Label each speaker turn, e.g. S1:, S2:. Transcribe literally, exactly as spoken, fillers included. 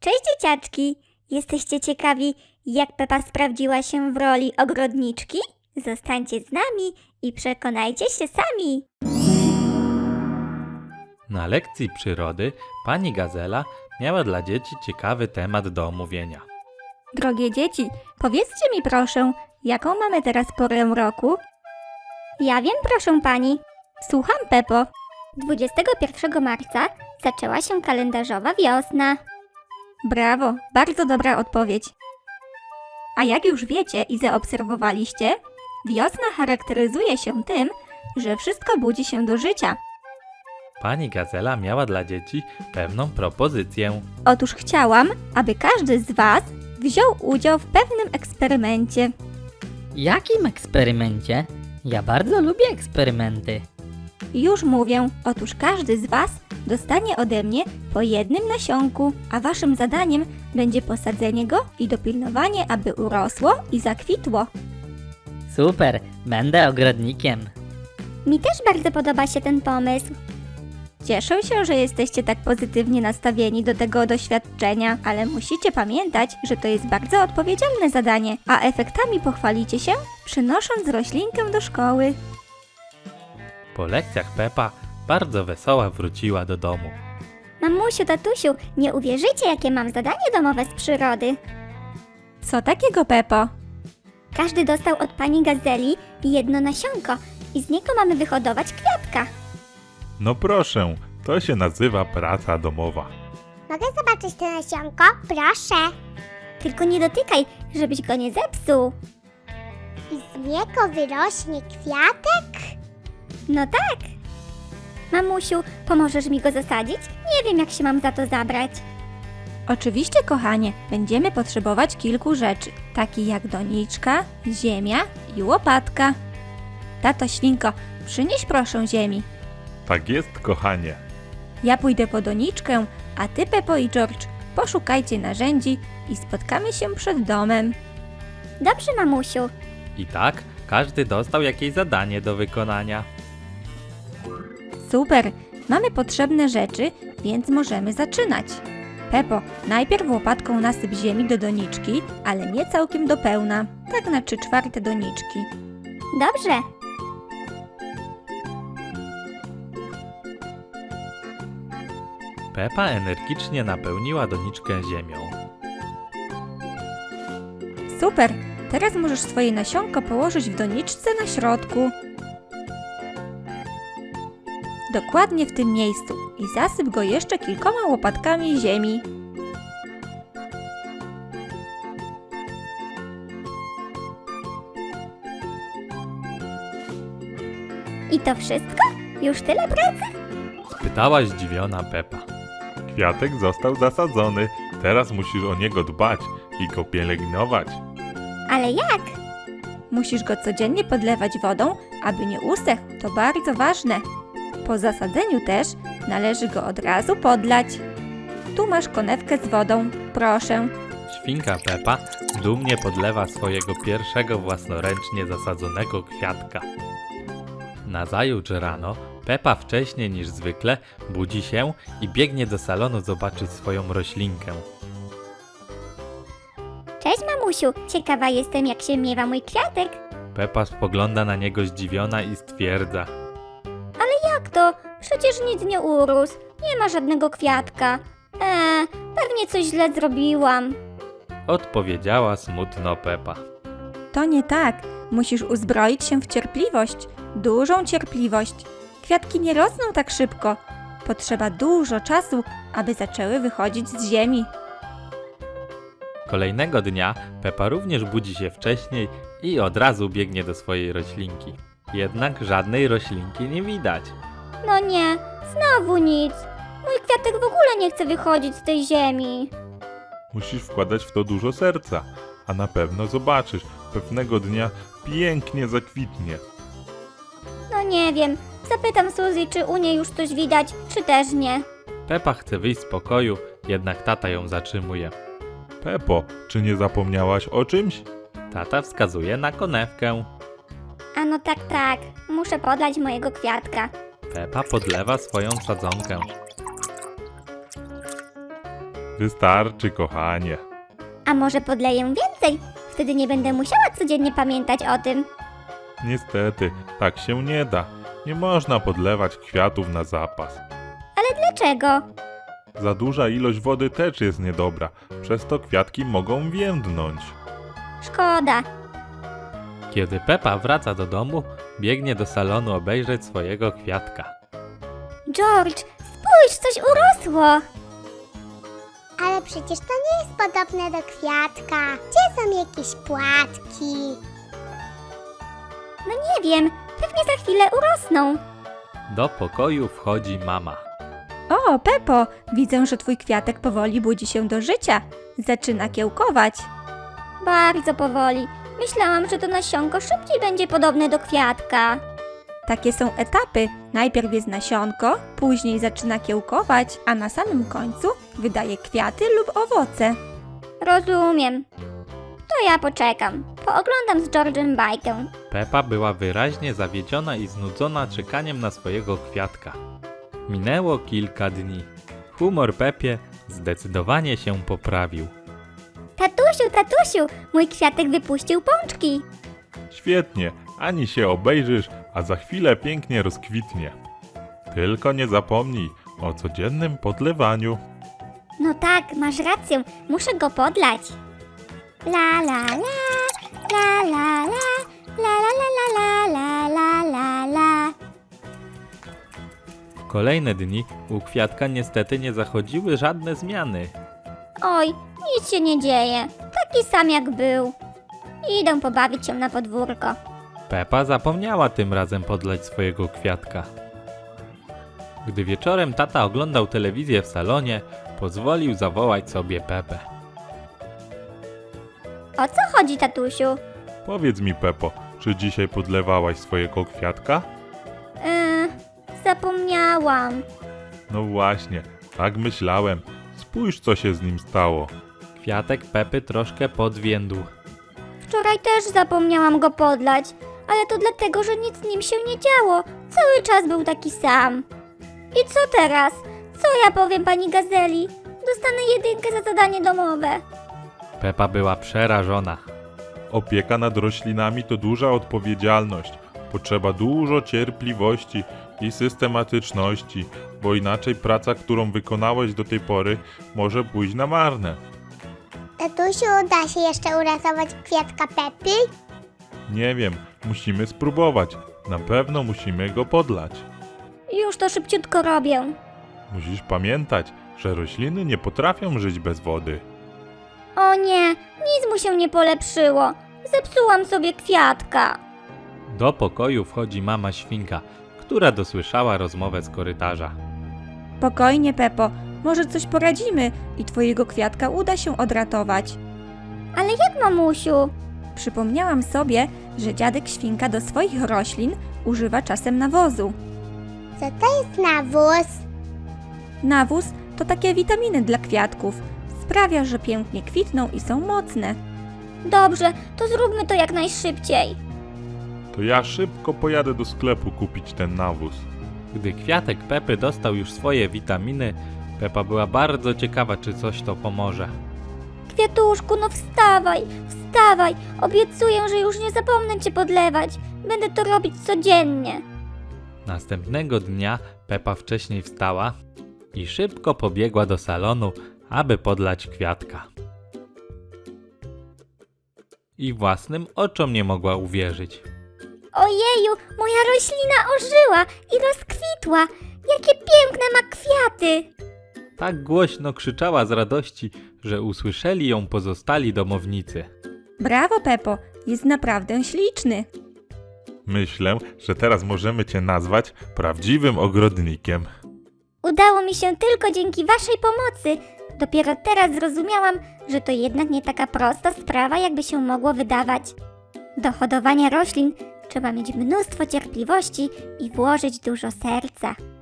S1: Cześć dzieciaczki! Jesteście ciekawi, jak Pepa sprawdziła się w roli ogrodniczki? Zostańcie z nami i przekonajcie się sami!
S2: Na lekcji przyrody pani Gazela miała dla dzieci ciekawy temat do omówienia.
S1: Drogie dzieci, powiedzcie mi proszę, jaką mamy teraz porę roku? Ja wiem, proszę pani. Słucham, Pepo. dwudziestego pierwszego marca zaczęła się kalendarzowa wiosna. Brawo, bardzo dobra odpowiedź. A jak już wiecie i zaobserwowaliście, wiosna charakteryzuje się tym, że wszystko budzi się do życia.
S2: Pani Gazela miała dla dzieci pewną propozycję.
S1: Otóż chciałam, aby każdy z was wziął udział w pewnym eksperymencie.
S3: Jakim eksperymencie? Ja bardzo lubię eksperymenty.
S1: Już mówię, otóż każdy z was dostanie ode mnie po jednym nasionku, a waszym zadaniem będzie posadzenie go i dopilnowanie, aby urosło i zakwitło.
S3: Super, będę ogrodnikiem.
S1: Mi też bardzo podoba się ten pomysł. Cieszę się, że jesteście tak pozytywnie nastawieni do tego doświadczenia, ale musicie pamiętać, że to jest bardzo odpowiedzialne zadanie, a efektami pochwalicie się, przynosząc roślinkę do szkoły.
S2: Po lekcjach Pepa bardzo wesoła wróciła do domu.
S1: Mamusiu, tatusiu, nie uwierzycie, jakie mam zadanie domowe z przyrody. Co takiego, Pepo? Każdy dostał od pani Gazeli jedno nasionko i z niego mamy wyhodować kwiatka.
S4: No proszę, to się nazywa praca domowa.
S5: Mogę zobaczyć to nasionko? Proszę.
S1: Tylko nie dotykaj, żebyś go nie zepsuł.
S5: I z niego wyrośnie kwiatek?
S1: No tak. Mamusiu, pomożesz mi go zasadzić? Nie wiem, jak się mam za to zabrać. Oczywiście, kochanie, będziemy potrzebować kilku rzeczy, takich jak doniczka, ziemia i łopatka. Tato Świnko, przynieś proszę ziemi.
S4: Tak jest, kochanie.
S1: Ja pójdę po doniczkę, a ty, Pepo i George, poszukajcie narzędzi i spotkamy się przed domem. Dobrze, mamusiu.
S2: I tak każdy dostał jakieś zadanie do wykonania.
S1: Super, mamy potrzebne rzeczy, więc możemy zaczynać. Pepo, najpierw łopatką nasyp ziemi do doniczki, ale nie całkiem do pełna, tak na trzy czwarte doniczki. Dobrze.
S2: Pepa energicznie napełniła doniczkę ziemią.
S1: Super, teraz możesz swoje nasionko położyć w doniczce na środku. Dokładnie w tym miejscu i zasyp go jeszcze kilkoma łopatkami ziemi. I to wszystko? Już tyle pracy?
S2: Spytała zdziwiona Pepa.
S4: Kwiatek został zasadzony, teraz musisz o niego dbać i go pielęgnować.
S1: Ale jak? Musisz go codziennie podlewać wodą, aby nie usechł, to bardzo ważne. Po zasadzeniu też należy go od razu podlać. Tu masz konewkę z wodą, proszę.
S2: Świnka Pepa dumnie podlewa swojego pierwszego własnoręcznie zasadzonego kwiatka. Nazajutrz rano Pepa wcześniej niż zwykle budzi się i biegnie do salonu zobaczyć swoją roślinkę.
S1: Cześć, mamusiu, ciekawa jestem, jak się miewa mój kwiatek.
S2: Pepa spogląda na niego zdziwiona i stwierdza.
S1: Jak to? Przecież nic nie urósł. Nie ma żadnego kwiatka. Eee, pewnie coś źle zrobiłam.
S2: Odpowiedziała smutno Pepa.
S1: To nie tak. Musisz uzbroić się w cierpliwość. Dużą cierpliwość. Kwiatki nie rosną tak szybko. Potrzeba dużo czasu, aby zaczęły wychodzić z ziemi.
S2: Kolejnego dnia Pepa również budzi się wcześniej i od razu biegnie do swojej roślinki. Jednak żadnej roślinki nie widać.
S1: No nie, znowu nic. Mój kwiatek w ogóle nie chce wychodzić z tej ziemi.
S4: Musisz wkładać w to dużo serca, a na pewno zobaczysz, pewnego dnia pięknie zakwitnie.
S1: No nie wiem. Zapytam Suzy, czy u niej już coś widać, czy też nie.
S2: Pepa chce wyjść z pokoju, jednak tata ją zatrzymuje.
S4: Pepo, czy nie zapomniałaś o czymś?
S2: Tata wskazuje na konewkę.
S1: A no tak, tak. Muszę podlać mojego kwiatka.
S2: Pepa podlewa swoją sadzonkę.
S4: Wystarczy, kochanie.
S1: A może podleję więcej? Wtedy nie będę musiała codziennie pamiętać o tym.
S4: Niestety, tak się nie da. Nie można podlewać kwiatów na zapas.
S1: Ale dlaczego?
S4: Za duża ilość wody też jest niedobra, przez to kwiatki mogą więdnąć.
S1: Szkoda.
S2: Kiedy Pepa wraca do domu, biegnie do salonu obejrzeć swojego kwiatka.
S1: George, spójrz, coś urosło.
S5: Ale przecież to nie jest podobne do kwiatka. Gdzie są jakieś płatki?
S1: No nie wiem, pewnie za chwilę urosną.
S2: Do pokoju wchodzi mama.
S6: O, Pepo, widzę, że twój kwiatek powoli budzi się do życia. Zaczyna kiełkować.
S1: Bardzo powoli. Myślałam, że to nasionko szybciej będzie podobne do kwiatka.
S6: Takie są etapy. Najpierw jest nasionko, później zaczyna kiełkować, a na samym końcu wydaje kwiaty lub owoce.
S1: Rozumiem. To ja poczekam. Pooglądam z George'em bajkę.
S2: Pepa była wyraźnie zawiedziona i znudzona czekaniem na swojego kwiatka. Minęło kilka dni. Humor Pepie zdecydowanie się poprawił.
S1: Tatusiu, tatusiu, mój kwiatek wypuścił pączki.
S4: Świetnie, ani się obejrzysz, a za chwilę pięknie rozkwitnie. Tylko nie zapomnij o codziennym podlewaniu.
S1: No tak, masz rację, muszę go podlać. La la la, la la la, la la la la la la la la.
S2: W kolejne dni u kwiatka niestety nie zachodziły żadne zmiany.
S1: Oj, nic się nie dzieje, taki sam jak był. Idę pobawić się na podwórko.
S2: Pepa zapomniała tym razem podlać swojego kwiatka. Gdy wieczorem tata oglądał telewizję w salonie, pozwolił zawołać sobie Pepę.
S1: O co chodzi, tatusiu?
S4: Powiedz mi, Pepo, czy dzisiaj podlewałaś swojego kwiatka?
S1: Yy, zapomniałam.
S4: No właśnie, tak myślałem. Spójrz, co się z nim stało.
S2: Kwiatek Pepy troszkę podwiędł.
S1: Wczoraj też zapomniałam go podlać, ale to dlatego, że nic z nim się nie działo. Cały czas był taki sam. I co teraz? Co ja powiem pani Gazeli? Dostanę jedynkę za zadanie domowe.
S2: Pepa była przerażona.
S4: Opieka nad roślinami to duża odpowiedzialność. Potrzeba dużo cierpliwości i systematyczności, bo inaczej praca, którą wykonałeś do tej pory, może pójść na marne.
S5: Tatusiu, da się jeszcze uratować kwiatka Pepy?
S4: Nie wiem, musimy spróbować. Na pewno musimy go podlać.
S1: Już to szybciutko robię.
S4: Musisz pamiętać, że rośliny nie potrafią żyć bez wody.
S1: O nie, nic mu się nie polepszyło. Zepsułam sobie kwiatka.
S2: Do pokoju wchodzi mama świnka, która dosłyszała rozmowę z korytarza.
S6: Spokojnie, Pepo, może coś poradzimy i twojego kwiatka uda się odratować.
S1: Ale jak, mamusiu?
S6: Przypomniałam sobie, że dziadek świnka do swoich roślin używa czasem nawozu.
S5: Co to jest nawóz?
S6: Nawóz to takie witaminy dla kwiatków. Sprawia, że pięknie kwitną i są mocne.
S1: Dobrze, to zróbmy to jak najszybciej.
S4: To ja szybko pojadę do sklepu kupić ten nawóz.
S2: Gdy kwiatek Pepy dostał już swoje witaminy, Pepa była bardzo ciekawa, czy coś to pomoże.
S1: Kwiatuszku, no wstawaj, wstawaj. Obiecuję, że już nie zapomnę cię podlewać. Będę to robić codziennie.
S2: Następnego dnia Pepa wcześniej wstała i szybko pobiegła do salonu, aby podlać kwiatka. I własnym oczom nie mogła uwierzyć.
S1: Ojeju, moja roślina ożyła i rozkwitła. Jakie piękne ma kwiaty.
S2: Tak głośno krzyczała z radości, że usłyszeli ją pozostali domownicy.
S6: Brawo, Pepo, jest naprawdę śliczny.
S4: Myślę, że teraz możemy cię nazwać prawdziwym ogrodnikiem.
S1: Udało mi się tylko dzięki waszej pomocy. Dopiero teraz zrozumiałam, że to jednak nie taka prosta sprawa, jakby się mogło wydawać. Do hodowania roślin trzeba mieć mnóstwo cierpliwości i włożyć dużo serca.